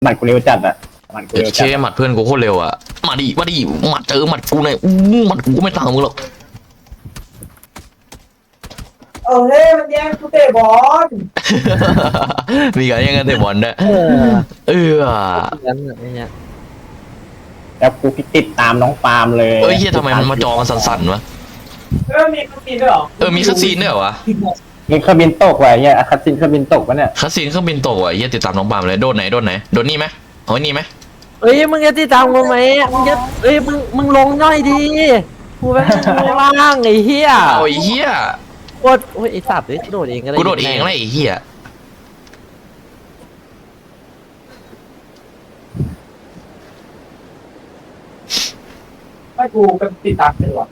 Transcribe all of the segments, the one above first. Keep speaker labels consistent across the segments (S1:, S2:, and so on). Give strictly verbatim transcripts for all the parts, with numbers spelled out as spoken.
S1: หมัดกูเร็วจัดอะหมัดกู
S2: เด็ก
S1: เร็ว
S2: เค
S1: จัด
S2: หมัดเพื่อนกูโคตรเร็วอ่ะมาดิมาดิหมัดเจอหมัดกูเนี่ยอู้หมัดกูไม่ต่างมึงหรอก
S3: เออเฮ้ยมันแย่งกูเตะบอล
S2: มีการแย่งกันเตะบอลด้วย
S4: เออ
S2: เออ
S4: งั้นแบบนี้
S1: แล้วกูติดตามน้องปาล์มเลย
S2: เอ้ยเฮียทำไมมันมาจอมันสั่นๆวะ
S3: เออมีคัสซีนด้วยเหรอ
S2: เออมีคัสซีนด้วยเหรอวะ
S1: มีเครื่องบินตกว่ะเนี่ยคัสซินเครื่องบินตกปะเนี่ย
S2: คัสซีนเครื่องบินตกอ่ะเฮียติดตามน้องปาล์มเลยโดนไหนโดนไหนโดนนี่ไหมเอาไว้นี่ไหม
S4: เอ้ยมึงจะติดตามกูไหมมึงจะเอ้ยมึงมึงลงย่อยดีกูแม่งล่างไอ้เหี้ย
S2: เอาไอ้เฮีย
S4: โคตรโอ้ยไอ้สัตว์เอ้ยโดดเองก็ได้
S2: กูโดดเองเลยไอ้เฮีย
S3: ไม่กูเป็นติดตามเลยวะ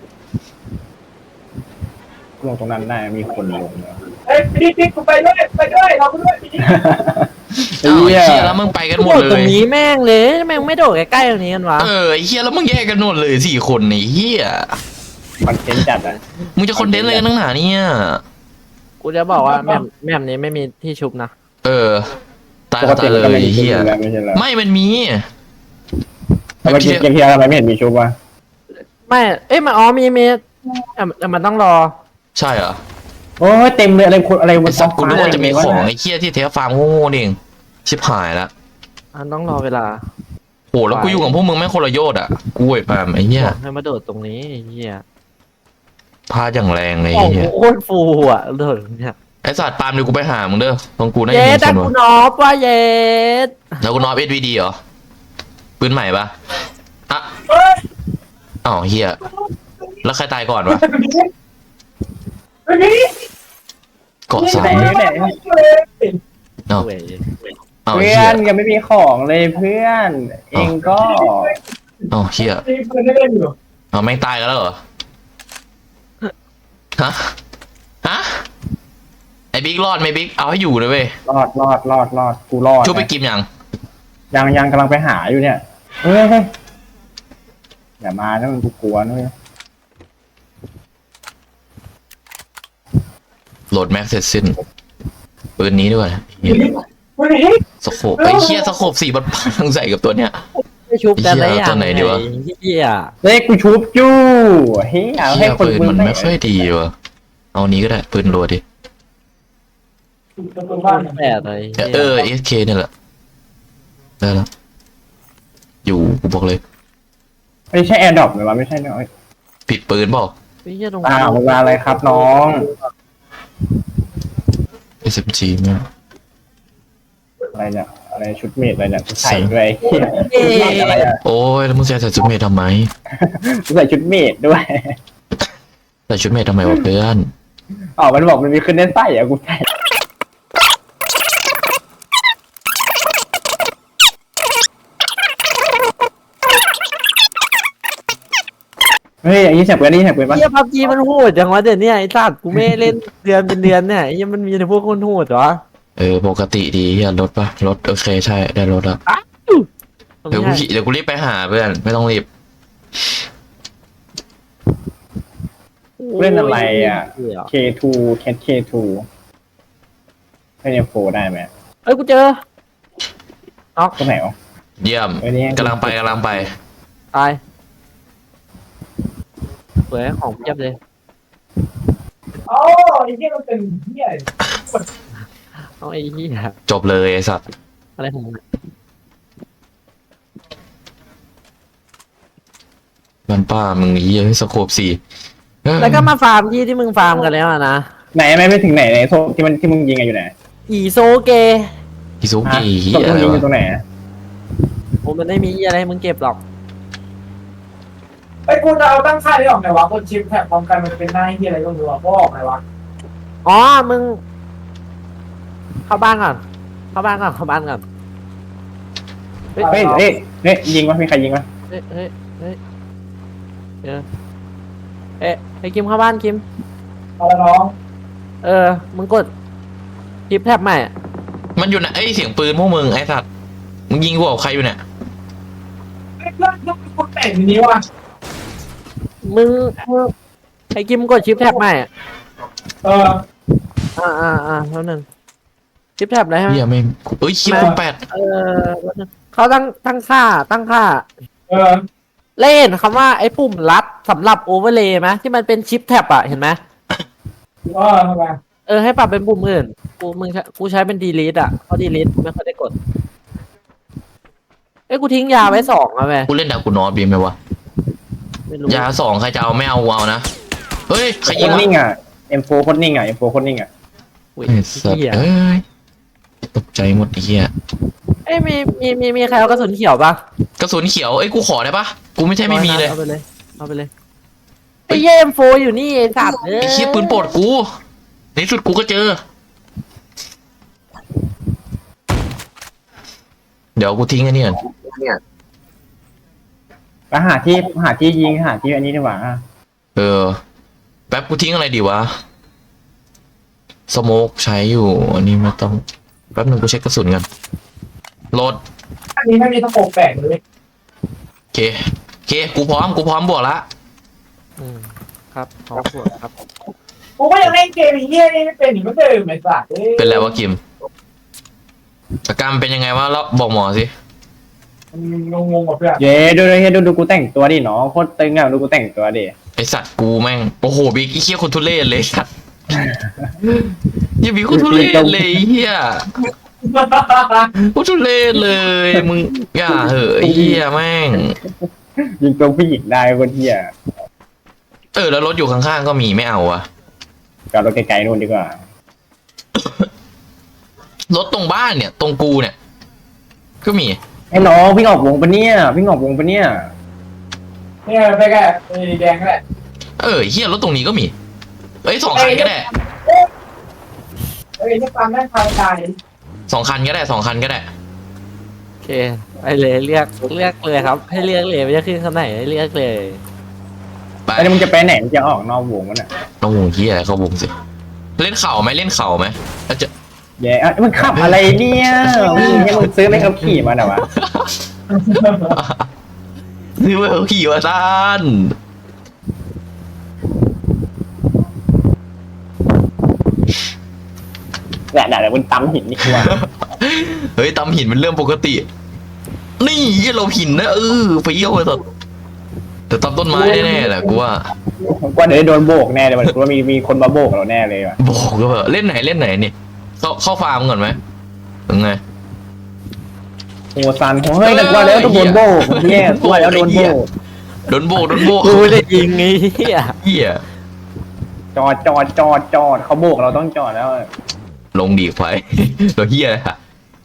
S1: ลงตรงนั้นได้มีคนลงเนาะ
S3: เฮ้ยพี่พี่กูไปด้วยไปด้วยเราไปด้วยพี่
S2: เอาไอ้
S1: เหี้ย
S2: เฮียแล้วมึงไปกันหมด
S4: โดด
S2: เล
S4: ตร
S2: ย
S4: งนี้แม่งเลยแม่งไม่โดดใกล้ๆตรงนี้กันวะ
S2: เออไอ้เฮียแล้วมึงแยกกันหมดเลยสี่คนไอ้เฮีย
S1: คอนเทนต์จัดอะ
S2: มึงจะคอนเทนต์อะไรกันตั้งหนาเนี่ย
S4: กูจะบอกว่าแม่มแม่มนี้ไม่มีที่ชุบนะ
S2: เออตาย
S1: ปก
S2: ก็
S1: ติ
S2: ตาย
S1: มัน
S2: เล
S1: ก็ไม่
S2: ย
S1: มี
S2: ไอ้
S1: ชุ
S2: เฮี
S1: บ
S2: ย
S1: อยู่แล้วไม่ใช่เหรอ
S2: ไม่มันมี
S1: ทำไมเกมเกมเฮียทำไมไม่เห็นมีชุบวะ
S4: ไม่เอ้ยมันอ๋อมีมีแต่แต่มันต้องรอ
S2: ใช่เหรอ
S1: โอ้ยเต็มเลยอะไรคนอะไรบ
S2: ไอ้
S1: น
S2: สัตว์กูนึกว่าจะมีของ
S1: ไอ้
S2: ไอ้เฮียที่เทฟฟาร์มโง่ๆนี่เองชิบหายละ
S4: มันต้องรอเวลา
S2: โหแล้วกูอยู่กับพวกมึงแม่งคนละโยชน์อ่ะกูไอ้ปาล์มไอ้เหี้ย
S4: บอกให้มาโดดตรงนี้ไอ้เหี้ย
S2: พาอย่างแรงเลย
S4: โอ้
S2: ไอ้
S4: โห
S2: เหี้ย
S4: โคตรฟูอ่ะโดดตรงเนี่ย
S2: ไอ้สัตว์ปาล์มเดี๋ยวกูไปหามึงเด้อตรงกูน่า
S4: เย็
S2: จะ
S4: ด
S2: มี
S4: แต่
S2: คน
S4: กู
S2: วะ
S4: นอฟว่าเย็ด
S2: แล้วกูนอฟเอสวีดีเหรอปืนใหม่ปะอ่ะ
S3: เฮ้ย
S2: อ้าวเหี้ยแล้วใครตายก่อนวะ
S3: เฮ้ยพี่
S2: เกาะสาม
S1: ไหนไหน
S2: เอ้า
S4: เว้ย
S2: เอ้า
S1: เพื่
S2: เหี้
S1: อย นยังไม่มีของเลยเพื่อน เองก็
S2: เอ้าเหี้ย
S3: มีเพื่อนได้เล่นอยู่
S2: เอ้าแม่งตายกันแล้วเหรอฮะฮะไอ้บิ๊กรอดไหมบิ๊กเอาให้อยู่เลยเว้ย
S1: รอดรอดรอดรอดกูรอด
S2: ช่วยไปกิมยัง
S1: ยังยังกำลังไปหาอยู่เนี่ยเฮ้ยเฮ้ยอย่ามานะมันกูกลัวนะเว้ย
S2: โหลดแม็กเสร็จสิ้นปืนนี้ด้วยเหี้ย
S3: เฮ้ย
S2: สโคปไอ้เหี้ยสโคปสี่บันพังใส่กับตัวเนี้ย
S4: ไม่ชุบแต่ละอย่าง
S2: ตัวไหนดีวะ
S4: อ้เหี้ย
S1: เฮ้ยกูชุบจู่เฮ้ยเอาให้
S2: เหี้ย
S1: คน
S2: ปืน
S1: มึง
S2: มันไม่ค่อยดีว่ะเอานี้ก็ได้ปืนรัวดิ
S3: ตัวบ้าน
S4: แต่อะไร
S2: เออเอสเคเนี่ยแหละได้แล้วอยู่กูบอกเลย
S1: ไม่ใช่แอร์ดรอปหรือว่าไม่ใช่เนาะ
S2: ผิดปืนเปล่า
S4: ไอ้เหี้ยตรง
S1: อ้าวเวลาอะไรครับน้อง
S2: เอสเอ็มจีเนี่ย
S1: อะไรเนี่ยอะไรชุดเมดอะไรเนี่ยกูใส่ด้วยเฮีย
S4: เอ๊ะ
S1: อะไรอ่ะ
S2: โอ้ยแล้วมึงจะใส่ชุดเมททำไม
S1: กูใส่ชุดเมดด้วย
S2: ใส่ชุดเมททำไมวะเพื่อน
S1: อ๋อมันบอกมันมีขึ้นเน้นไส้อ่ะกูใส่เฮ้ยอย่างนี้แฉกเปืนนี่แฉกเปืนปะ
S4: เหี้ยพับจีมันโหดจังวะเดี๋ยวนี้ไอ้สัตว์กูไม่เล่นเดือนเป็นเดือนเนี่ยไอ้เหี้ยมันมีแต่พวกคนโหดเหรอ
S2: เออปกติดีเฮียรถปะรถโอเคใช่ได้รถแล้วเดี๋ยวกูขี่เดี๋ยวกูรีบไปหาเพื่อนไม่ต้องรีบ
S1: เล่นอะไรอ่ะ
S4: เหี้ย
S1: เค ทู แคท เค ทู ให้เอ็มโฟได้ไหม
S4: เอ้ยกูเจอ
S1: ตรงไหนวะ
S2: เยี่ยม
S1: เออนี่
S2: กำลังไปกำลังไป
S4: ตายสวยของเพียบเลย
S3: อ๋อไอ้เหี้ยมันเป็นเหี้ย
S4: เอาไอ้เหี้ย
S2: จบเลยไอ้สัตว์
S4: อะไรของมึง
S2: มันป้ามึงเฮียสโคปสี่เออ
S4: แล้วก็มาฟาร์มที่ที่มึงฟาร์มกันแล้วอะนะ
S1: ไหนไม่ไม่ถึงไหนไหนโซนที่มันที่มึงยิงอะอยู่ไหน
S4: อีโซเก
S2: อิซุกิเฮี
S1: ศพ
S2: ย
S1: ที่
S2: อะ
S1: มึง
S2: ไร
S1: ยิงอ
S2: วะ
S1: ยู่ตรงไหน
S4: ผมมันไม่มีอะไรให้มึงเก็บหรอก
S3: ไอ้กูจะเอาตั้งค่ายได้ออกไหนวะคนชิมแท็กพร้อมกันมันเป็นหน้าเหี้ยอะไรก็ไม่รู้อ่ะก็ออกไหนวะ
S4: อ๋อมึง เข้าบ้านก่อนเข้าบ้านก่อนเข้าบ้านก่อนเฮ้ย
S1: เฮ้ยเฮ้ยเฮ้ยยิงวะมีใครยิงวะ
S4: เฮ้ยเฮ้ยเฮ้ยเออเอ๊ะไอ้คิมเข้าบ้านคิม
S3: เอาละน้อง
S4: เออมึงกดคลิปแท็บใหม่อะ
S2: มันอยู่ไหนไอ้ยเสียงปืนพวกมึงไอ้สัตว์มึงยิงกูกับใครอยู่เนี่ย
S3: ไอ้เพื่อนต้องเป็นคนแต่งทีนี้วะ
S4: มึงมึงไอ้คิมกดชิปแท็บใหม่อะ
S3: เออ
S4: อ่าอ่าอ่าแล้วนึงชิปแท็บอะไรฮะ
S2: เฮียไม่งเอ้ยคิวคุณแปด
S4: เออแล้วนึงเขาตั้งตั้งค่าตั้งค่า
S3: เออ
S4: เล่นคำว่าไอ้ปุ่มลัดสำหรับโอเวอร์เลย์ไหมที่มันเป็นชิปแท็บอะเห็นไหม
S3: เออทำไม
S4: เออให้ปรับเป็นปุ่มอื่นกูมึงใช้กูใช้เป็นดีลีทอะเพราะดีลีทไม่ค่อยได้กดเอ้ยกูทิ้งยาไว้สองอะแม่
S2: กูเล่นดากูนอสบีไหมวะ
S4: ไม่รู้
S2: ยาสองใครจะเอาไม่เอากูเอานะเฮ้ยใคร
S1: โค
S2: ยิง
S1: ตร
S2: วะ
S1: นิ่งอ่ะเอ็มโฟโคตรนิ่งอ่ะเอ็มโฟโคตรนิ่งอ่ะ
S4: อุ้ย
S2: ไอ้สัตว์
S4: เหี้ย
S2: เอ้ยตกใจหมดไอ้เหี้ย
S4: เอ้ยมีมีมีมีใครเอากระสุนเขียวปะ
S2: กระสุนเขียวเอ้ยกูขอได้ปะกูไม่ใช่ไม่มีเลย
S4: เอาไปเลยเอาไปเลยไอ้เยี่ยมโฟอยู่นี่ไอ้สัตว์เอ้ย
S2: ไอ้เหี้ยปืนโปรดกูในที่สุดกูก็เจอ เดี๋ยวกูทิ้งไอ้นี่ก่อน
S1: ไปหาที่หาที่ยิงหาที่อันนี้ดีกว่าอ่ะ
S2: เออแป๊บกูทิ้งอะไรดีวะสโมกใช้อยู่อันนี้ไม่ต้องแป๊บนึงกูเช็คกระสุนกันโหลด
S3: อันนี้ไม่มีตะโกนแปลกเลย
S2: โอเคโอเคกูพร้อมกูพร้อมบวกละ
S4: อืมครับขอบคุณครับ
S3: กูก็ยังเล่นเกมไอ้เหี้ยนี่ไม่เป็นเหมือนเดิมไอ้สัตว์อ้ย
S2: เป็นไรวะกิมอาการเป็นยังไงวะแล้วบอกหมอสิ
S3: มันงงๆกับเพื่อน
S1: เย้ดูดูดูดูกูแต่งตัวดิน้องโคตรตึงอ่ะดูกูแต่งตัวดิ
S2: ไอสัตว์กูแม่งโอ้โหบิ๊กไอ้เหี้ยคนทุเรศเลยสัตว์เหี้ยบิ๊กคนทุเรศเลยไอ้เหี้ยคนทุเรศเลยมึงอย่าเหอะไอ้เหี้ยแม่ง
S1: ยิงตัวผู้หญิงได้คนเหี้ย
S2: เออแล้วรถอยู่ข้างๆก็มีไม่เอาอะ
S1: จอดรถไกลๆนู่นดีกว่าร
S2: ถตรงบ้านเนี่ย ตรงกูเนี่ย ก็มี
S1: ไอ้น้องวิ่งออกวงปะเนี่ยวิ่งออกวงปะเนี่ย
S3: เนี่ยไปแกไอ้แดงก็แหละ
S2: เออเฮียรถตรงนี้ก็มีเอ้ยสองคันก็ได้
S3: เฮ้ยนี่ความแม่นพายตาย
S2: สองคันก็ได้สองคันก็ได้
S4: โอเคไปเลยเรียกเรียกเลยครับ ให้เรียกเลยไม่จะขึ้นข้างไหนให้เรียกเลย
S2: ไป
S1: ไอ้นี่มึงจะไปไหนมึงจะออกนอกวงมันอ่ะ
S2: น้องวงเฮียเขาวงสิเล่นเข่าไหมเล่นเข่าไหมแล้วจะ
S1: เย้อ่ะมึงขับอะไรเนี่ยมึงให้มึงซื้อไม่ขับขี่มาหน่อยวะ
S2: นี่เมื่อขี่วะท่าน
S1: แหละเดี๋ยวมึงตำหินนี่กว่า
S2: เฮ้ยตำหินเป็นเรื่องปกติ นี่เหี้ยเราหินนะเออเฟี้ยวเลยแต่แต่ตำต้นไม้แน่ๆแหละกูว่า
S1: ผมกว่าเดี๋ยวได้โดนโบกแน่เลยมันกูว่ามีมีคนมาโบกเราแน่เลยว่ะ
S2: บอกก็แบบเล่นไหนเล่นไหนนี่เข้าเข้าฟาร์มก่อนไหมยังไง
S1: โอ้ซันโอ้ยแต่กว่าแล้วต้องโดนโบกเนี่ยกว่าแล้วโดนโบก
S2: โดนโบกโดนโบก
S4: กูไม่ได้ยิงไอ้เหี้ย
S2: เหี้ย
S1: จอดจอดจอดจอดเขาโบกเราต้องจอดแล้ว
S2: ลงดีไฟ เราเหี้ยเลยอะ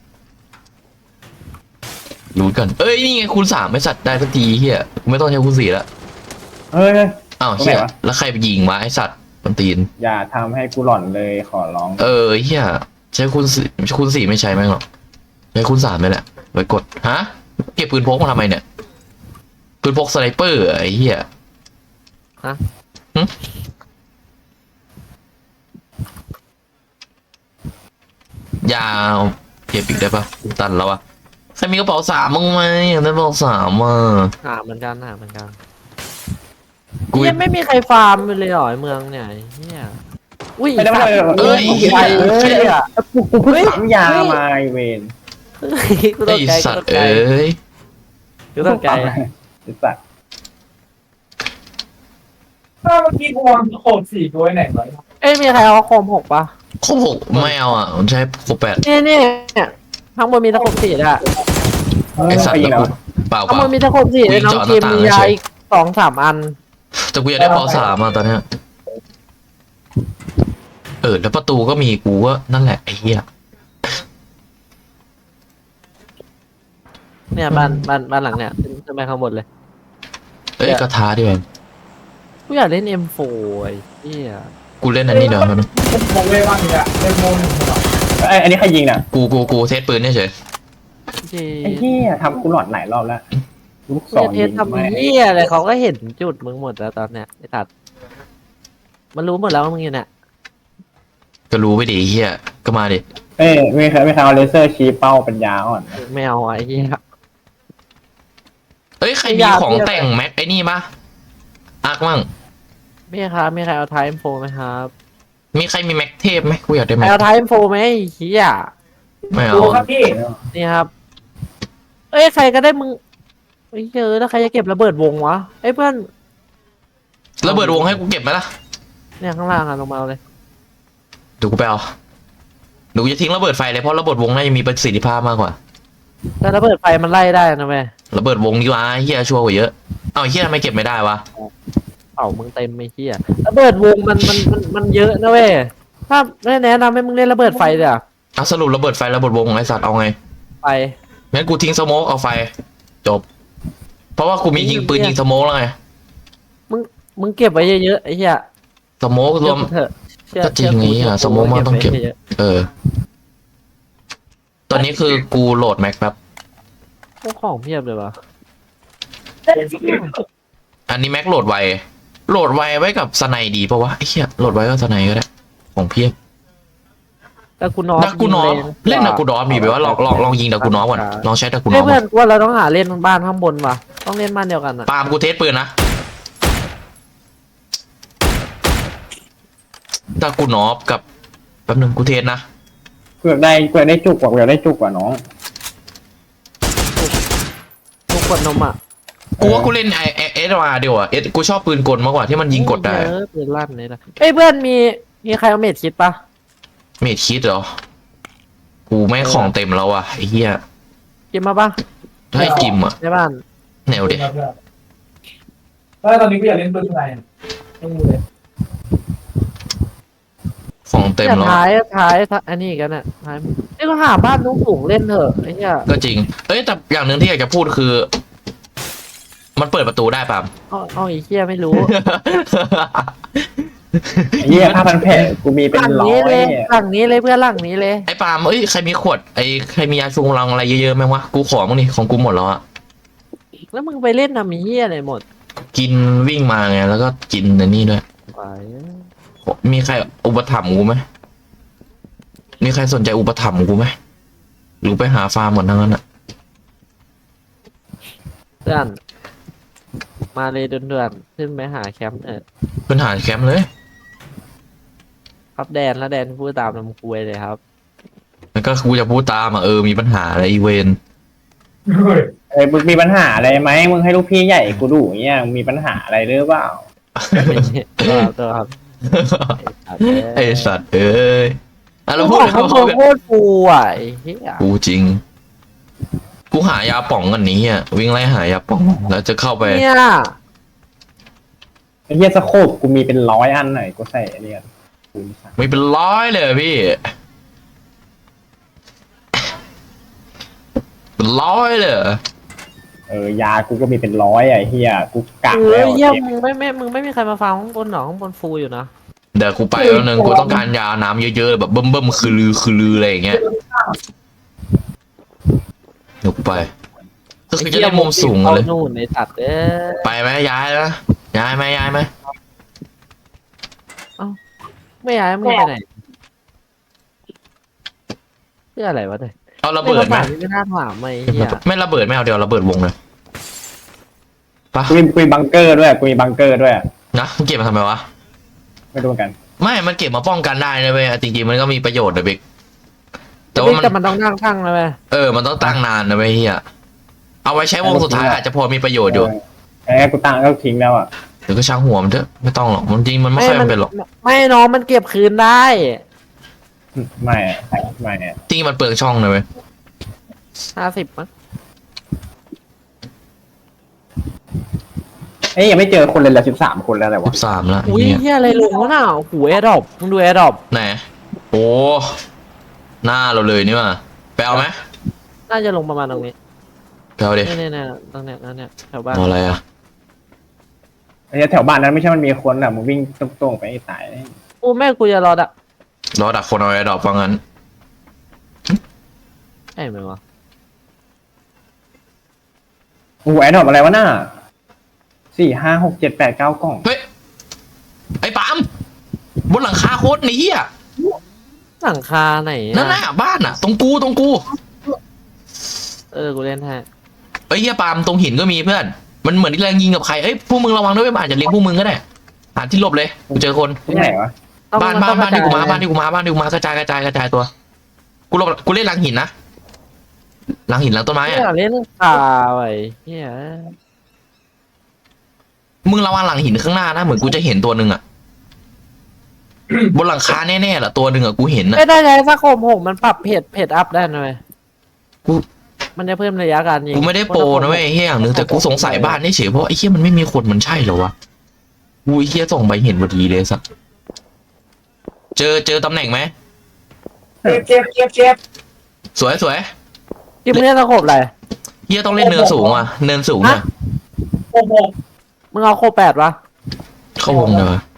S2: รู้กันเอ้ยนี่ไงคูณสามไม่สัตว์ได้สักทีเหี้ยไม่ต้องใช้คูณสี่ละ
S1: เฮ้ย
S2: อ้าว
S1: ตรงไหน
S2: เหี้ยว
S1: ะ
S2: แล้วใครไปยิงวะไอสัตว์มันตีน
S1: อย่าทำให้กูหล่อนเลยขอร้อง
S2: เออเหี้ยใช้คูณสี่คูณสี่ไม่ใช้แม่งหรอกใช้คูณสามนี่แหละไว้กดฮะเก็บปืนพกมาทำไมเนี่ยปืนพกสไนเปอร์ไอ้เหี้ย
S4: ฮะ
S2: หึยาวเก็บอีกได้ปะตันแล้วอะใครมีกระเป๋าสามมั้งไหมอยากได้กระเป๋าสามอ่ะ
S4: หาเหมือนกันหาเหมือนกัน
S2: กู
S4: ยังไม่มีใครฟาร์มเลยเหรอไอ้เมืองเนี่ยไอ้เหี้ยอุ้ย
S1: ไม่ได้ไม่ได้
S2: เอ้ย
S1: ไป
S2: เอ้ย
S1: เอ้ยกูกูเพิ่งปั๊มยามาไอเวน
S4: กูต
S2: ไอก
S4: ใจ
S2: สัต
S4: กูต
S2: ว์
S4: กใจ
S2: เอ้ย
S4: กูตกใจ
S1: ไอ้สัตว์
S3: ถ้าเมื่อกี้กูวางโคดสี่ตัวไว้ไหนไว้
S4: เอ้ยมีใครเอาโคมหกปะ
S2: ครบหกไม่เอาอ่ะมันใช้ครบแปด
S4: นี่นี่เนี่ยข้างบนมีตะขบสีอ่ะ
S2: ไอสัต
S1: ไป
S2: ว์
S1: ยิง
S2: แล้ว
S1: แล้ว
S2: กูเปล่าเป
S4: ข้างบ
S2: ล่าน
S4: มีตะขบสีเลยน้องคิมมียาอีกสองสามอัน
S2: แต่กูอยากได้เป๋าสามอ่ะตอนเนี้ยเออแล้วประตูก็มีกูก็นั่นแหละไอ้เหี้ย
S4: เนี่ยบ้านบ้านบ้านหลังเนี่ยขึ้นขึ้นไปข้างบนเลย
S2: เอ้ยกระทาดิแมน
S4: กูอยากเล่น เอ็ม โฟร์ ไอ้เหี้ย
S2: กูเล่นอันนี้เดี๋ยวมัน
S3: มองเลยบ้างเนี่ยเป็นโมหนึ่งเหรอ
S1: ไอ้อันนี้ใครยิงน่ะ
S2: กูกูกูเทสปืนเฉย
S4: เจ๊
S1: ไอ้เหี้ยทำกูหลอนหลายรอบแล้วลูกศ
S4: เจ๊
S1: ร
S4: เท
S1: ยิ
S4: ส
S1: ง
S4: ทำ
S1: ไม่
S4: เหี้ยอะไรเขาก็เห็นจุดมึงหมดแล้วตอนเนี้ยไอ้ตัด มันรู้หมดแล้วว่ามึงอยู่เนี่ย
S2: ก็รู้ไปดิไอ้เหี้ยก็มาดิ
S1: เอ้ยไม่เคยไม่เคยเอาเลเซอร์ชี้เป้าปัญญาอ่อน
S4: ไม่เอาไอ้เหี้ย
S2: เอ้ยใคร
S4: ไม่
S2: มี
S4: อยาก
S2: ของ
S4: เรียก
S2: แต่งแม็กไอ้นี่ปะอาร์คมั่ง
S4: มีครับมีใครเอาไทม์โฟไหมครับ
S2: มีใครมีแม็กเทพไหมกูอยากได้
S4: ใคร
S2: แม็ก
S4: เอาไทม์โฟไหมไอ้เหี้ย
S2: ไม่เอา
S3: ดูครับพี่
S4: นี่ครับเอ้ยใครก็ได้มึงไอ้เจอแล้วใครจะเก็บระเบิดวงวะไอ้เพื่อน
S2: ระเบิดวงให้กูเก็บไหมล่ะ
S4: เนี่ยข้างล่างอะลงมาเอาเลย
S2: เดี๋ยวกูไปเอาเดี๋ยวกูจะทิ้งระเบิดไฟเลยเพราะระเบิดวงน่าจะมีประสิทธิภาพมากกว่า
S4: แต่ระเบิดไฟมันไล่ได้นะแม่
S2: ระเบิดวงดีกว่าไอ้เฮียชัวร์กว่าเยอะเอ้าไอ้เฮียทำไมเก็บไม่ได้วะ
S4: เป่ามึงเต็มไอ้เหี้ยระเบิดวงมันมันมันมันเยอะนะเว้ยถ้าไม่แนะนำให้มึงเล่นระเบิดไฟเลยอะ
S2: อ่ะสรุประเบิดไฟระเบิดวงไอ้สัตว์เอาไง
S4: ไป
S2: งั้นกูทิ้งสโมกเอาไฟจบ เพราะว่ากูมียิงปืนยิงสโมกแล้วไง
S4: มึงมึงเก็บไว้เยอะๆไอ้เหี้ย
S2: สโมกร
S4: เชื่
S2: ว
S4: อ
S2: ม
S4: กูเถอะเชื่อ
S2: ก็จริง
S4: เชื่
S2: ไอ้เหี้ย
S4: กู
S2: สโมกมันต้องเก็บ
S4: ไว้ยะ
S2: เออ ตอนนี้คือกูโหลดแม็กแป๊บ
S4: ๆพวกของเพียบเลยวะ
S2: อันนี้แม็กโหลดไวโหลดไวไว้กับสไนดีปะวะไอ้เหี้ยโหลดไว้กับสไนก็ได้ของเพียบ
S4: แต่กูนอฟ
S2: ดักกูนอฟ
S4: ยิงแรง
S2: เล่นดักกูนอฟมีไปว่าลองลองลองยิงดักกูนอฟก่อนลองใช้ดักกูน
S4: เฮ้
S2: อย ฟ
S4: เพื่อนกูว่าเราต้องหาเล่นบ้านข้างบนว่ะต้องเล่นบ้านเดียวกันอะ
S2: ปาล์มกูเทสปืนนะดักกูนอฟกับแป๊บนึงกูเทสนะ
S1: เกือบได้เกือบได้จุกกว่าเกือบได้จุกกว่าน้อง
S4: กูกดนมอะ
S2: กูว่ากูเล่นไอเอสมาเดียวอ่ะเอสกูชอบปืนกลมากกว่าที่มันยิงกดได้
S4: เออปืนลั่นเลยนะเฮ้ยเพื่อนมีมีใครเอาเม็ดคิดปะ
S2: เมดคิดเหรอกูไม่งของเต็มแล้วอ่ะไอ้เหี้ย
S4: กินมาปะ
S2: ให้กิมอ่ะ
S4: ในบ้าน
S2: แนวเด็ก
S3: แล้วตอนนี้กูอยากเล่นปืนอะไรไม่มีเลย
S2: ของเต็ม
S4: เนี่ย
S2: แล้ว
S4: ท้ายท้ายท้ายอันนี้กันน่ะท้ายนี่ก็หาบ้านนุ่งสูงเล่นเถอะไอ้เหี้ย
S2: ก็จริง เอ้ยแต่อย่างหนึ่งที่อยากจะพูดคือ มันเปิดประตูได้ป่ะ
S4: เอาเอาไอ้เหี้ยไม่รู้
S1: ไอ้เหี้ยผ้าพันแผลกูมีเป็น
S4: หลัง
S1: ร้อ
S4: นี้
S1: ย
S4: เลย
S1: เนี่ย
S4: หลังนี้เลยเพื่อนหลังนี้เลย
S2: ไอ้ปาล์มเอ้ยใครมีขวดไอ้ใครมียาชูกำลังอะไรเยอะๆไหมวะกูขอมั้งนี่ของกูหมดแล้วอ่ะ
S4: แล้วมึงไปเล่นทำไอ้เหี้ยอะไรหมด
S2: กินวิ่งมาไงแล้วก็กินในนี่ด้วย
S4: ไป
S2: มีใครอุปถัมภ์กูไหมมีใครสนใจอุปถัมภ์กูไหมหรือไปหาฟาร์มหมดทั้งนั้นอ่ะ
S4: เพื่อนมาเลยเดือนๆขึ้นไปหาแคมป์เออ
S2: เป็นหาแคมป์เลย
S4: ครับแดนแล้วแดนพูดตามลำคุยเลยครับ
S2: แล้วก็กูจะพูดตามอ่ะเออมีปัญหาอะไรอีเวน
S1: เอ้ยมึงมีปัญหาอะไรไหมมึงให้ลูกพี่ใหญ่กูดูอย่างเงี้ยมึงมีปัญหาอะไรหรือเปล่า
S4: ไม่ใช่ตัวตัวครับ
S2: ไอสัตว์เอ้ยอ่ะเรา
S4: เรา
S2: พู
S4: พู
S2: ด
S4: ดเขา
S2: เราพูดกัน
S4: โคตรฟูอ่ะไอ้เหี้ย
S2: กูจริง กูหายาป่องกันนี้อ่ะวิ่งไล่หายาป่องแล้วจะเข้าไป
S4: เนี่ย
S1: ไอ้เหี้ยสโคปกูมีเป็นร้อยอันหน่อยกูใส่อันเนี่ยกูมีสั่ง
S2: ไม่เป็นร้อยเลยพี่เป็นร้อยเลย
S1: เออยากูก็มีเป็นร้อยอ่ะไอ้เหี้ยกูกัก
S4: เอ
S1: แล้
S4: อ
S1: ว
S4: เหี้ย
S1: อะ
S4: มึงไม่ไม่มึงไม่มีใครมาฟังข้างบนหรอข้างบนฟูอยู่นะ
S2: เดี๋ยวกูไปแล้วนึงกูต้องการยาน้ำเยอะๆแบบเบิ่มๆคือลือคือลืออะไรอย่างเงี้ยเดี๋ยวกูไปก็คือจะได้มุมสูงเลย
S4: อานู่นในตัดเด้อ
S2: ไปไหมย้ายไหมย้ายไหมย้ายไหม
S4: ไม่ย้ายมึงไปไหนเพื่ออะไรวะเนี่ย
S2: เอาระเบิดไหม
S4: ไม่น่าถามไอ้เหี้ย
S2: ไม่ระเบิดไม่เอาเดี๋ยวระเบิดวงเลยปะ
S1: กูมีกูมีบังเกอร์ด้วยกูมีบังเกอร์ด้วย
S2: นะมึงเก็บมาทำไมวะ
S1: ไม่รู้เหมือนกัน
S2: ไม่มันเก็บมาป้องกันได้นะเว้ยจริงๆมันก็มีประโยชน์นะเบกแต่ว่ามัน
S4: แต่มันต้องนั่งตั้งนะเว้ย
S2: เออมันต้องตั้งนานนะเว้ยเฮียเอาไว้ใช้วงสุดท้ายอาจจะพอมีประโยชน์อยู่
S1: เออไอ้กูตั้งก็ทิ้งแล้วอ่ะ
S2: เดี๋ยวก็ช่างหัวมันเถอะไม่ต้องหรอกมันจริงมันไม่ค่อยจำเป็นหรอก
S4: ไม่น้องมันเก็บคืนได้
S1: ไม่อะไม่อะ
S2: จริงๆมันเปลืองช่องนะเว้ย
S4: ห้าสิบมั้ง
S1: เอ้ยยังไม่เจอคนเลยละสิบสามคนแล้วอะไร
S2: สิ
S1: วะ
S2: บสามแล้ว
S4: อุ้ย
S2: เฮีย
S4: เหี้ยอะไรลงวะน่ะโอ้โหแอร์ดรอปมึงดูแอร์ดรอป
S2: ไหนโอ้หน้าเราเลยนี่ว่ะไปเอาไหม
S4: น่าจะลงประมาณตรงนี้
S2: ไปเอาดิ
S4: เนี่ยเนี่ยตรงเนี้ยตรงเนี้ยแถวบ้าน
S2: เอาอะไรอ่ะ
S1: ไอ้แถวบ้านนั้นไม่ใช่มันมีคนอ่ะมึงวิ่งตรงๆไปไอ้ตายเลย
S4: อู้แม่กูจะรอดอะ
S2: รอดักคนเอาไอ้ดอกว่างั้น
S4: ใช่ไหมวะ
S1: โอ้โหไอ้ดอกอะไรวะน่าสี่ห้าหกเจ็ดแปดเก้ากล่อง
S2: เฮ้ยไอ้ปาล์มบนหลังคาโคตรนี้อ่ะ
S4: หลังคาไหนอะ
S2: นั่นน่ะบ้านอ่ะ ตรงกูตรงกู
S4: เออกูเล่นแท้
S2: เอ้ยเฮียปาล์มตรงหินก็มีเพื่อน มันเหมือนที่แรงยิงกับใคร เอ้ยพวกมึงระวังด้วยมันอาจจะเลี้ยงพวกมึงก็ได้หาที่หลบเลยกูเจอคน
S1: ที่ไหนวะ
S4: ต้อง
S2: บ้าน
S4: มั
S2: บ้าน
S4: ต้อง
S2: บ้านที่กูมา
S4: ระจย
S2: บ้านที่กูมาบ้านที่กูมากระจายกระจายกระจายตัว กูหลบกูเล่นหลังหินนะหลังหินหลังต้นไม้
S4: ไม่
S2: อะ
S4: อยากเล่นข่าวไอ้เหี้ย
S2: มึงระวังหลังหินข้างหน้านะเหมือนกูจะเห็นตัวหนึ่งอะบนหลังคาแน่ๆแหละตัวหนึ่งอะกูเห็นอะ
S4: ไม่ได้ใช้สโคมหกมันปรับเพจเพจอัพได้นะเว้ย
S2: กู
S4: มันจะเพิ่มระยะการยิง
S2: กูไม่ได้โปรนะเว้ยไอ้เฮียอย่างหนึ่งแต่กูสงสัยบ้านนี่เฉยเพราะไอ้เฮียมันไม่มีคนมันใช่เหรอวะกูไอ้เฮียส่งไปเห็นพอดีเลยสักเจอเจอตำแหน่งไหม
S3: เจ็บเจ็บเจ็บเจ็บ
S2: สวยสวย
S4: ที่มึงเล่นสโคมอะไร
S2: เฮียต้องเล่นเนินสูงอ่ะเนินสูงอ่ะ
S3: โอ้โห
S4: มึงเอาโคแปดวะ
S2: เข้าวงเลยวะ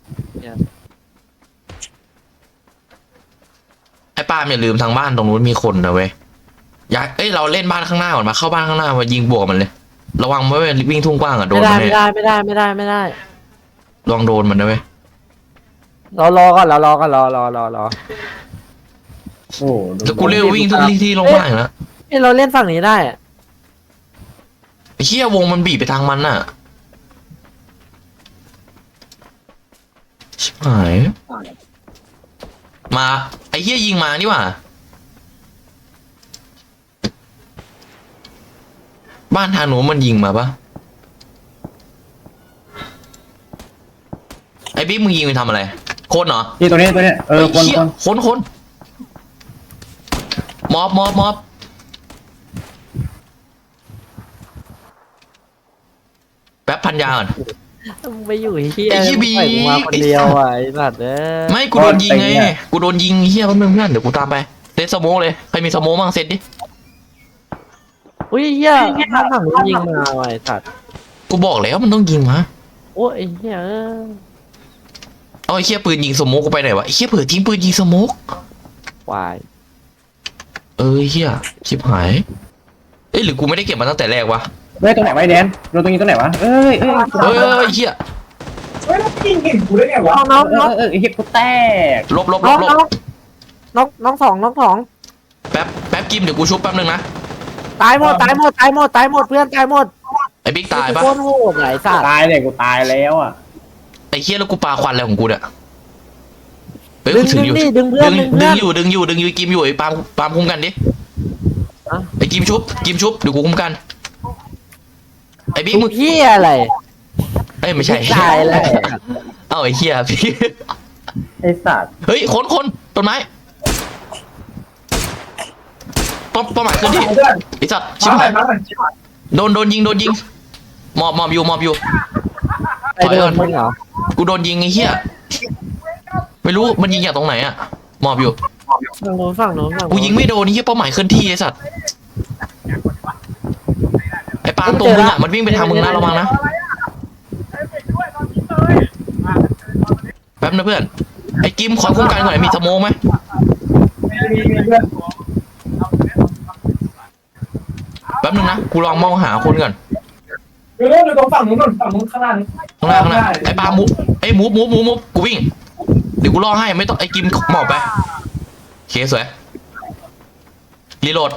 S2: ไอ้ป้าล์มอย่าลืมทางบ้านตรงนู้นมีคนนะเว้ยอยากเอ้ยเราเล่นบ้านข้างหน้าก่อนมาเข้าบ้านข้างหน้ามายิงบวกมันเลยระวังไม่เป็นวิ่งทุ่งกว้างอ่ะโด
S4: ไม่
S2: น
S4: ได้
S2: มัน
S4: ไม่
S2: แน่
S4: ได้ไม่ได้ไม่ได้ไม่ได้
S2: ลองโดนมันนะเว้ย
S4: เรารอก่อนเรารอก่อนรอรอรอรอ
S1: โอ้ดู
S2: แล้วกูเรียกวิ่งทุกที่ที่ลงบ้านอยู่แล้ว
S4: เอ้ยเราเล่นฝั่งนี้ได้อะ
S2: ไอ้เฮียวงมันบีบไปทางมันน่ะชิบหายมาไอ้เฮียยิงมานี่หว่าบ้านทางหนูมันยิงมาปะไอ้บิ๊กมึงยิงไปทำอะไรโคนเหรอ
S1: นี่ตัวนี้ตัวนี้เออคน
S2: เหี้ย
S1: คน
S2: คนคนมอบมอบมอบแป๊บพันยาก่อน
S4: มึงไปอยู่เฮีย
S2: ไอ้เหี้ยบี
S4: ปล่อยกูมาคนเดียวอ่ะไอ้สัตว์เอ้ย
S2: ไม่กูโดนยิงไงกูโดนยิงเฮียแป๊บนึงเพื่อนเดี๋ยวกูตามไปเซตสโมกเลยใครมีสโมกบ้างเซตดิ
S4: อุ้ยเฮียถ้าฝั่งนู้นยิงมาว่ะไอ้สัตว์
S2: กูบอกแล้วมันต้องยิงมา
S4: โอ้ยไอ้เฮียเอ้ย
S2: เอาไอ้เฮียปืนยิงสโมกกูไปไหนวะไอ้เฮียเผื่อทิ้งปืนยิงสโมก
S4: วาย
S2: เออเฮียชิบหายเอ้ยหรือกูไม่ได้เก็บมาตั้งแต่แรกวะ
S1: เฮ้ยตรงไหนไวะไอ้แดนเราตรงนี้ตรงไหนวะเอ้ยเอ้ย
S2: เฮ้ยเฮ้ยเฮ้ยเฮีย
S3: เฮ้ยแล้วยิงเห็นกูได้ไงวะ
S4: น้อง
S1: เอ
S4: น้อง
S1: อเออไอ้เหี้ยกูแตก
S2: ลบลบล
S4: น้อง
S2: บล
S4: น้
S2: บ
S4: องน้องน้องสองน้องสอง
S2: แป๊บแป๊บกิมเดี๋ยวกูชุบแป๊บนึงนะ
S4: ตายหมดตายหมดตายหมดตายหมดเพื่อนตายหมด
S2: ไอ้บิ๊กตายปะ
S4: โคตรโหดไหนสัตว์
S1: ตายเลยกูตายแล้วอ่ะ
S2: ไอ้เฮียแล้วกูปาควันอะไรของกูเนี่ยเฮ้ย
S4: ดึ
S2: กู
S4: ง
S2: ถื
S4: ดึ
S2: อง อยู่
S4: ดิดึงเพื่อน
S2: ดึง
S4: ดึง
S2: ดึ
S4: เพื่
S2: ง
S4: อน
S2: อยู่ดึงอยู่ดึงอยู่กิมอยู่ไอ้ปาล์มปาล์มคุ้มกันดิ
S4: อะ
S2: ไอ้กิมชุบกิมชุบเดี๋ยวกูคุ้มกันไอ้บิ๊กมึง
S4: เฮียอะไร
S2: เอ้ยไม่ใช่
S4: ตายแล้ว
S2: เอ้าไอ้เฮียพี่
S1: ไอ้สัตว์
S2: เฮ้ยคนคนต้นไม้ป้อมป้อมหมายขึ้นที่
S3: เพื่อน
S2: ไอ้สัตว์ชิบ
S3: มาหน่
S2: หา
S3: อย ยมาหน่อย
S2: โดนโดนยิงโดนยิงมอบมอบอยู่มอบอยู่
S4: ไอ้โดนมึงเหรอ
S2: กูโดนยิงไอ้เหี้ยไม่รู้มันยิงจากตรงไหนอะมอบอยู่
S4: ฝั่งโน้นฝั่งโน้นฝั่งโน้น
S2: กูยิงไม่โดนไอ้เหี้ยเป้าหมายเคลื่อนที่ไอ้สัตว์ไอ้ปาล์มตรงมึงอะมันวิ่งไปทางมึงนะระวังนะแป๊บนะเพื่อนไอ้กิมขอคุ้มกันก่อนหน่อยมีสโมองไหม
S3: มีมีเพื่อน
S2: แป๊บนึงนะกูลองมองหาคนก่อน
S3: เดี๋ยวเดี๋ยวตรงฝั่งนู้นก่อนฝั่งนู้นข้างหน้านี่
S2: ข้างหน้าข้างหน้าไอ้ปาล์มมูฟไอ้มูฟมูฟมูฟมูฟกูวิ่งเดี๋ยวกูรอให้ไม่ต้องไอ้กิมหมอบไปโอเคสวยรีโหลด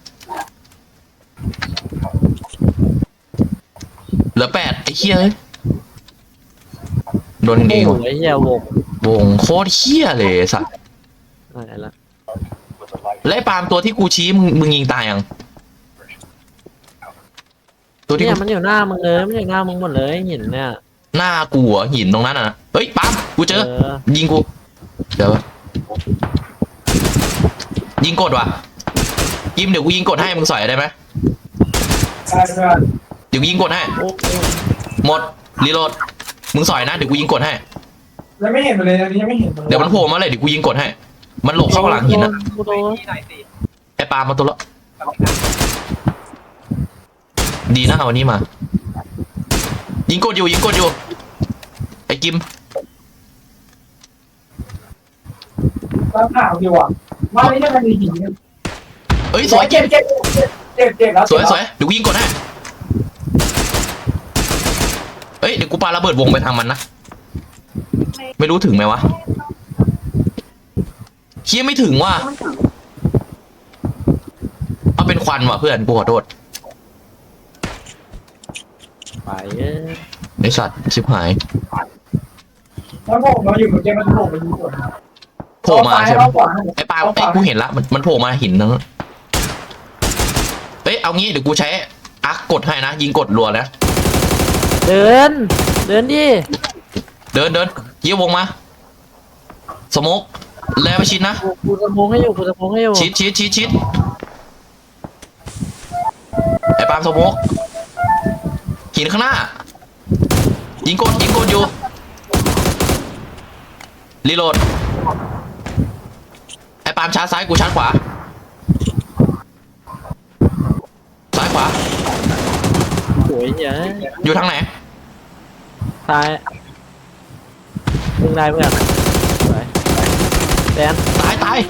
S2: เหลือแปดไอ้เหี้ยเอ้ยโดนเอง
S4: โอ้
S2: ว่ะ
S4: โหไอ้เฮียวง
S2: วงโคตรเหี้ยเลยไอ้สัตว์
S4: อะไรละ
S2: แล้วไอ้ปาล์มตัวที่กูชี้มึงมึงยิงตายยังตัวที่
S4: เนี่ย
S2: กู
S4: มันอยู่หน้ามึงเลยมันอยู่หน้ามึงหมดเลยหินเนี่ย
S2: หน้ากูเหรอหินตรงนั้นอ่ะนะเฮ้ยปาล์มกูเจอ
S4: เออ
S2: ยิงกูเดี๋ยวยิงกดว่ะยิมเดี๋ยวกูยิงกดให้มึงสอยได้ไหม
S3: ใช่เพื่อน
S2: เดี๋ยวกูยิงกดให้
S4: โอ้โห
S2: หมดรีโหลดมึงสอยนะเดี๋ยวกูยิงกดให้
S3: ยังไม่เห็นเลยอันนี้ยังไม่เห็น
S2: เดี๋ยวมันโผล่มาเลยเดี๋ยวกูยิงกดให้ มันหลบเข้าหลังหินอ่ะ
S4: กูโดน
S2: ไอ้ปาล์มมาตัวละดีนะเอาวันนี้มา ยิงกดอยู่ยิงกดอยู่ไอ้กิม
S3: แล้วข่าวดีว่ะว่าไม่ใช่มันมีหิน
S2: เอ้ยสวย
S3: เจ็บเจ็บเจ็บเจ็บแล้ว
S2: สวยสวยเดี๋ยวกูยิงกดให้เอ้ยเดี๋ยวกูปาระเบิดวงไปทางมันนะไม่รู้ถึงไหมวะเคียไม่ถึงว่ะเอาเป็นควันว่ะเพื่อนกูขอโทษ
S4: ไปเอ้ย
S2: ไอสัตว์ชิบหาย
S3: แล้วพวกเราอยู่กับเจมันโผล่ไปดูส่วน
S2: โผล่มาใช่ไหม
S3: ขวา
S2: ไอ้ปาล์มไอ้กูเห็นละมันมันโผล่มาหินนั้นเอางี้เดี๋ยวกูใช้อาร์คกดให้นะยิงกดรัวนะ
S4: เดิน เดินดิ
S2: เดินเดินเยี่ยววงมาสโมกแล้วไปชิดนะ
S4: กูกูจะมงให้อยู่กูจะมงให้อยู่
S2: ชิดชิดชิดชิดไอ้ปาล์มสโมกหินข้างหน้ายิงกดยิงกดอยู่รีโหลดไอ้ปาล์มชาร์จซ้ายกูชาร์จขวาซ้ายขวา
S4: โอ้ยเหี้ย
S2: อยู่ทางไหน
S4: ตายมึงได้เพื่อนสวยแดน
S2: ตายตาย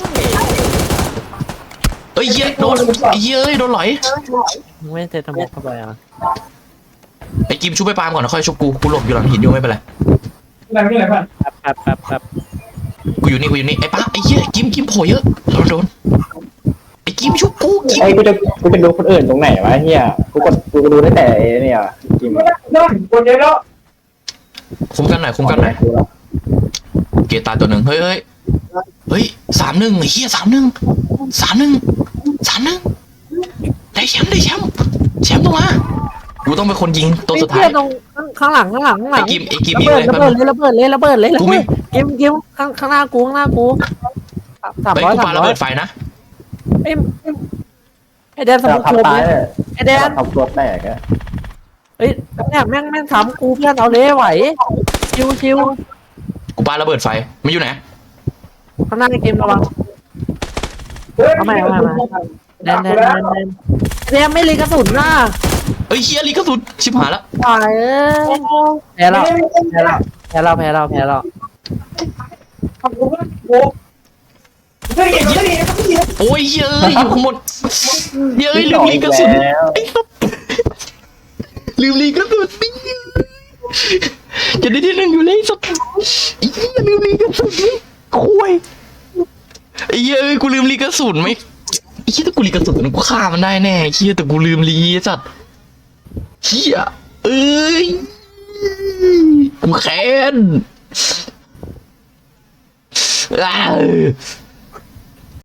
S2: เอ้ยเหี้ยโดนไอ้เหี้ยเอ้ยโดนหลอย
S4: มึงไม่เทสมกเข้าไปอ่ะ
S2: ไอ้กิมชุบไปปาล์มก่อนนะค่อยชุบกูกูหลบอยู่หลังหินอยู่ไม่เป็นไร
S3: อะไรไม่อะไรเพื่อน
S4: แป๊บแป๊บแป๊บแป๊บ
S2: กูอยู่นี่กูอยู่นี่ไอ้ป้าไอ้เหี้ยกิมกิมโผล่เยอะโดนโดนไอ้กิมชุบกูกิม
S1: ไอ้กูจะกูจะดูคนอื่นตรงไหนวะเฮียกูกดกูดูได้แต่ไอ้เนี่ยกิม
S3: ไม่ได้ไม่ได้คนเยอะแล้ว
S2: คุมกันหน่อยคุมกันหน่อย
S1: กูละ
S2: เกตตายตัวหนึ่งเฮ้ยเฮ้ยเฮ้ยสามหนึ่งไอ้เหี้ยสามหนึ่งสามหนึ่งสามหนึ่งได้แชมป์ได้แชมป์แชมป์ต้องมากูต้องเป็นคนยิงตัวสุดท้าย
S4: ไอ้เหี้ตรงข้างหลังข้างหลังข้างหลั
S2: ไอ้
S4: ง
S2: กิมไอ้กิม
S4: ระ
S2: ยิง
S4: เบิ
S2: เล
S4: ด
S2: ย
S4: ระ
S2: แป๊บ
S4: เบิ
S2: นึ
S4: ด
S2: ง
S4: เลยระเบิดเลยระเบิดเลยระ
S2: กู
S4: เบิ
S2: ไม่
S4: ดกิมกิมข้างข้างหน้ากูข้างหน้ากูสาม
S2: เฮ้ย
S4: ร้อย
S2: กู
S4: สา
S2: ปาม ระ
S4: ร้อ
S2: เบิ
S4: ย
S2: ดไฟนะ
S4: ไอ้ไอ้แดนส
S1: จะ
S4: มุกโค
S1: ทำตาย
S4: ม
S1: เลย
S4: ไอ้แดน
S1: ทำตัวแตกอะ
S4: เฮ้ยเนี่ยแม่งแม่งทำกูเพื่อนเอาเลยไหวชิวชิว
S2: กูปาระเบิดไฟมันอยู่ไหน
S4: ข้างหน้าเกมระวังแดนแดนแดนแดนแดนไม่รีกระสุนน่ะ
S2: เฮ้ยเฮียลีกระสุนชิบหายละ
S4: ตายเอ้ยแพ้แล้วแพ้แล้วแพ้แล้วแพ้แล้วแพ้แล้ว
S3: ทำกูไม่โว้ไม่เห็นไม่เห็นไม่เห็น
S2: โอ้ยเฮ้ยอยู่ข้างบนเฮ้ยลืมลีกระสุน
S1: แล้ว
S2: ไอ้สัสลืมลีกระสุนนี่จะได้ที่หนึ่งอยู่เลยสัสไอ้เหี้ยลืมลีกระสุนนี่คุยไอ้เหี้ยเอ้ยกูลืมลีกระสุนไหมไอ้เหี้ยถ้ากูลีกระสุนกูฆ่ามันได้แน่ไอ้เหี้ยแต่กูลืมลีไอ้สัสเหี้ยเอ้ยกูแค้นอ้าว